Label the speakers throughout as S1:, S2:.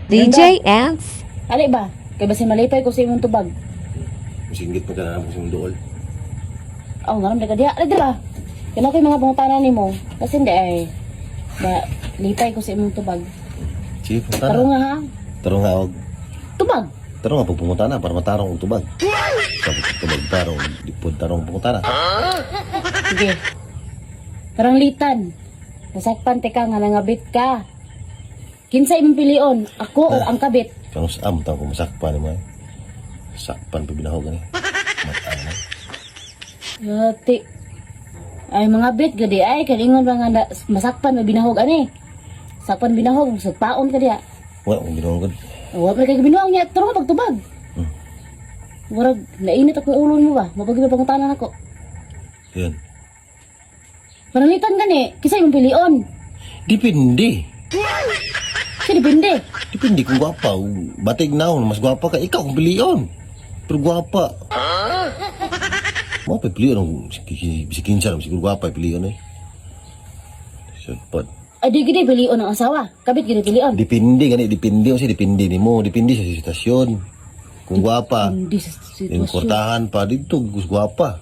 S1: DJ Ants.
S2: Ali ba? Kay basi malipay ko sa imong tubag.
S3: Singgit pa ka na sa imong duol.
S2: Oh, ngaram ka diha. Ali dira. Kana ko'y mga pangutanan nimo. Kasi hindi ay ba lipay ko sa imong tubag.
S3: Sige, punta
S2: Taro
S3: na.
S2: nga ha.
S3: Taro nga og.
S2: Tubag.
S3: Taro nga pupunta na para matarong og tubag. Tapos tubag tarong, dipod tarong pupunta na.
S2: Sige. Tarang litan. Nasakpan teka nga nangabit ka. Kinsa imong pilion? Ako o ang kabit?
S3: Kang am tang ko masakpan mo. Sakpan pa binahog ni. Mata na.
S2: Yati. Ay mga bit gadi ay kalingon ba nga masakpan may binahog ani. Sakpan binahog sa paon ka diya.
S3: Wa ang binahog.
S2: Wa pa kay binuang niya turo ka pagtubag. Murag nainit ako ulo mo ba? Mapagi ba pangutanan ako?
S3: Yan.
S2: Panalitan gani, kisa imong pilion.
S3: Depende.
S2: Kasi depende.
S3: Depende kung gwapa. Batig na mas gwapa ka. Ikaw kung piliyon. Pero gwapa. Mau pa piliyon. Si kinsa naman siguro gwapa piliyon eh. Sepot.
S2: Adi gidi pilion ang asawa. Kabit gidi pilion.
S3: Depende gani. Depende. Kasi depende ni mo. Depende sa sitwasyon. Kung gwapa.
S2: Hindi sa
S3: Yung
S2: sitwasyon.
S3: kortahan pa dito. Gus gwapa.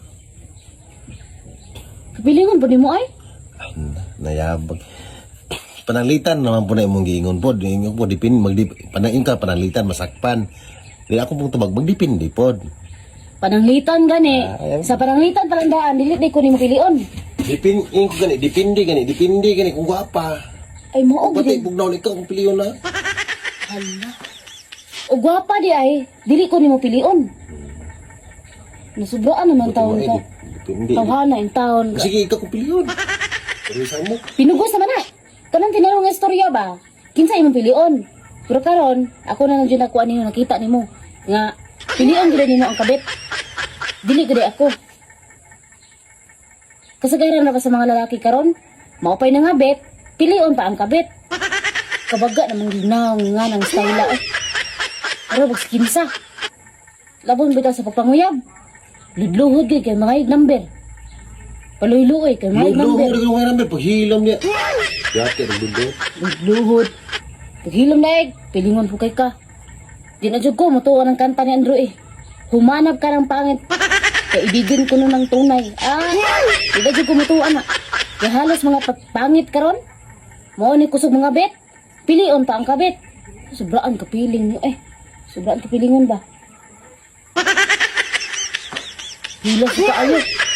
S2: Kapilingon po ni mo ay?
S3: Ay, nayabag. Pananglitan naman po na imong giingon po. Ingon po, panangin ka, pananglitan, masakpan. Di ako pong tubag, magdipindi po.
S2: Pananglitan gani.
S3: Ayan.
S2: Sa pananglitan palandaan, dilit di ko ni mo pilion.
S3: Dipindi gani, kung gwapa.
S2: Ay mo og
S3: Pati,
S2: gidi.
S3: bugnaw na ikaw kung piliyon na.
S2: Hala. O gwapa di ay, dili ko ni mo pilion. Nasubraan naman taon ka.
S3: Dipindi.
S2: Tawhana yung taon ka.
S3: Sige, ikaw kung piliyon. Pero sa mo.
S2: Pinugos naman na. Kanang tinanong nga istorya ba? Kinsa imong pilion? Pero karon, ako na lang dyan nakuha ninyo, nakita nimo. Nga, pilion gila nimo ang kabit. Dili gila ako. Kasagaran na ba sa mga lalaki karon? Maupay na nga bet, pilion pa ang kabit. Kabaga namang ginaw nga ng style eh. Pero bags kinsa. Labon bitaw sa pagpanguyab. Ludluhod kay mga number. Paluy-luoy kay mga number.
S3: Luhod ka namin, paghilam niya. Yate, nagdundo.
S2: Luhod. Paghilom na pilingon po kay ka. Di na dyan ko, matuwa ng kanta ni Andrew eh. Humanap ka ng pangit. Kaya ibigin ko nun ng tunay. Di na dyan ko matuwa na. Kaya halos mga pangit karon. Mo ni kusog mga bet. Pilion pa ang kabet. Sobraan kapiling nyo eh. Sobraan kapilingon ba? Hilas ka ayo.